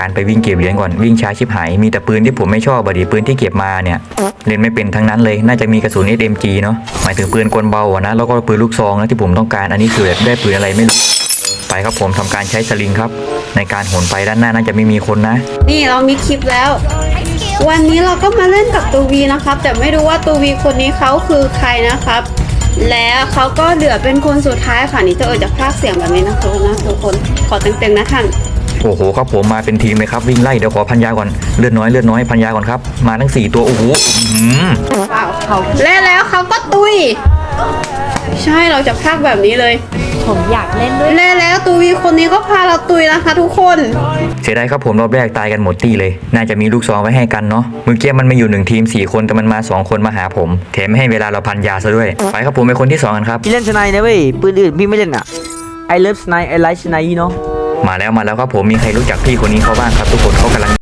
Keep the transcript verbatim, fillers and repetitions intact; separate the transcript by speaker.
Speaker 1: การไปวิ่งเก็บเหรียญก่อนวิ่งช้าชิบหายมีแต่ปืนที่ผมไม่ชอบบดีปืนที่เก็บมาเนี่ยเล่นไม่เป็นทั้งนั้นเลยน่าจะมีกระสุน เอส เอ็ม จี เนาะหมายถึงปืนกลเบาอะนะแล้วก็ปืนลูกซองนะที่ผมต้องการอันนี้คือแบบได้ปืนอะไรไม่รู้ไปครับผมทำการใช้สลิงครับในการโหนไปด้านหน้าน่าจะไม่มีคนนะ
Speaker 2: นี่เรามีคลิปแล้ว วันนี้เราก็มาเล่นกับตูวีนะครับแต่ไม่รู้ว่าตูวีคนนี้เขาคือใครนะครับแล้วเขาก็เหลือเป็นคนสุดท้ายค่ะนี่จะเออจะพากเสียงแบบนี้นะทุกคนนะทุกคนขอเต็มๆนะท่าน
Speaker 1: โอ้โหครับผมมาเป็นทีมเลยครับวิ่งไล่เดี๋ยวขอพันยาก่อนเลือดน้อยเลือดน้อยพันยาก่อนครับมาทั้งสี่ตัวโอ้โห
Speaker 2: ว้าวเขาเล่นแล้วเขาก็ตุยใช่เราจะพากแบบนี้เลย
Speaker 3: ผมอยากเล่นด้วย
Speaker 2: เล่นแล้วตูวีคนนี้ก็พาเราตุยนะคะทุกคน
Speaker 1: เสียดายครับผมรอบแรกตายกันหมดตีเลยน่าจะมีลูกซองไว้ให้กันเนาะเมื่อกี้มันมาอยู่หนึ่งทีมสี่คนแต่มันมาสองคนมาหาผมแถมไม่ให้เวลาเราพันยาซะด้วยไปครับผมเป็นคนที่สองกันครับ
Speaker 4: พี่เล่นสไนด์นะเว้ยปืนอื่นพี่ไม่เล่นอ่ะ I love snipe I like snipe เนาะ
Speaker 1: มาแล้วมาแล้วครับผมมีใครรู้จักพี่คนนี้เขาบ้างครับทุกคนเขากำลัง